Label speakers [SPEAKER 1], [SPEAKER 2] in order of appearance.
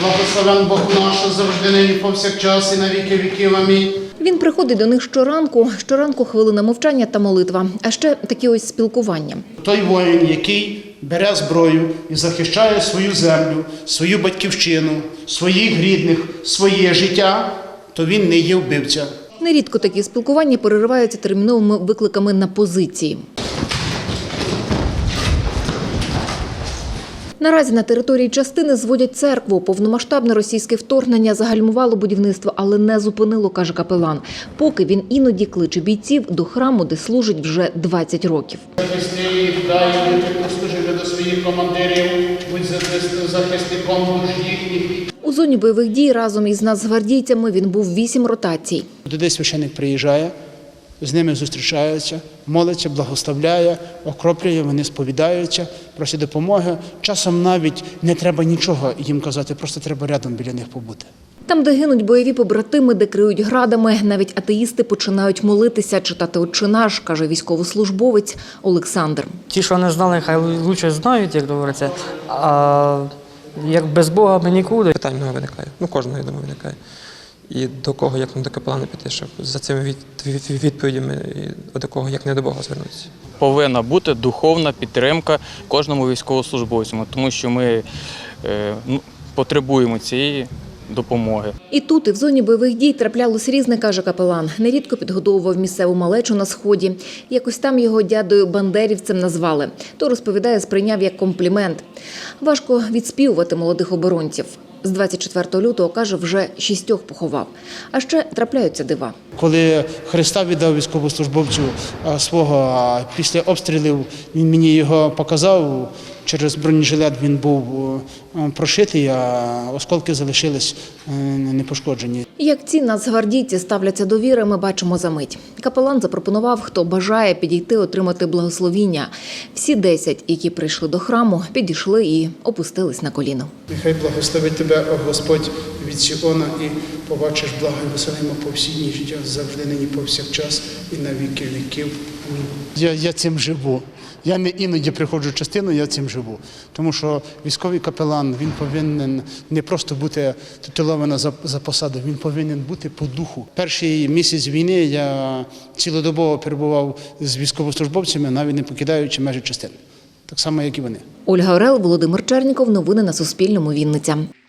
[SPEAKER 1] Благословен Бог наш, завжди нині повсякчас і на віки віків. Амінь.
[SPEAKER 2] Він приходить до них щоранку хвилина мовчання та молитва, а ще такі ось спілкування.
[SPEAKER 1] Той воїн, який бере зброю і захищає свою землю, свою батьківщину, своїх рідних, своє життя, то він не є вбивця.
[SPEAKER 2] Нерідко такі спілкування перериваються терміновими викликами на позиції. Наразі на території частини зводять церкву. Повномасштабне російське вторгнення загальмувало будівництво, але не зупинило, каже капелан. Поки він іноді кличе бійців до храму, де служить вже 20 років.
[SPEAKER 1] Захисти їх, дай бути послужити до своїх командирів, будь захисником душ їхніх.
[SPEAKER 2] У зоні бойових дій разом із нацгвардійцями він був 8 ротацій.
[SPEAKER 1] Туди священик приїжджає, з ними зустрічається, молиться, благословляє, окроплює, вони сповідаються, просять допомоги. Часом навіть не треба нічого їм казати, просто треба рядом біля них побути.
[SPEAKER 2] Там, де гинуть бойові побратими, де криють градами, навіть атеїсти починають молитися, читати «Отче наш», каже військовослужбовець Олександр.
[SPEAKER 3] Ті, що не знали, хай лучше знають, як говориться, а як без Бога ми нікуди.
[SPEAKER 4] Питань много виникає, кожного, я думаю, виникає. І до кого, як не до капелана піти, щоб за цими відповідями до кого, як не до Бога, звернутися.
[SPEAKER 5] Повинна бути духовна підтримка кожному військовослужбовцю, тому що ми потребуємо цієї допомоги.
[SPEAKER 2] І тут, і в зоні бойових дій траплялось різне, каже капелан. Нерідко підгодовував місцеву малечу на Сході. Якось там його дядою бандерівцем назвали. То, розповідає, сприйняв як комплімент. Важко відспівувати молодих оборонців. З 24 лютого, каже, вже 6 поховав. А ще трапляються дива.
[SPEAKER 1] Коли Христа віддав військовослужбовцю свого після обстрілів, він мені його показав. Через бронежилет він був прошитий, а осколки залишились непошкоджені.
[SPEAKER 2] Як ці нацгвардійці ставляться до віри, ми бачимо за мить. Капелан запропонував, хто бажає підійти отримати благословіння. Всі 10, які прийшли до храму, підійшли і опустились на коліно.
[SPEAKER 1] Нехай благословить тебе, о Господь, від Сіона, і побачиш благо Єрусалима по всі дні життя, завжди нині повсякчас і на віки віків. Амінь. Я цим живу. Я не іноді приходжу в частину, я цим живу. Тому що військовий капелан, він повинен не просто бути титулований за посаду, він повинен бути по духу. Перший місяць війни я цілодобово перебував з військовослужбовцями, навіть не покидаючи межі частини. Так само, як і вони.
[SPEAKER 2] Ольга Орел, Володимир Черніков. Новини на Суспільному. Вінниця.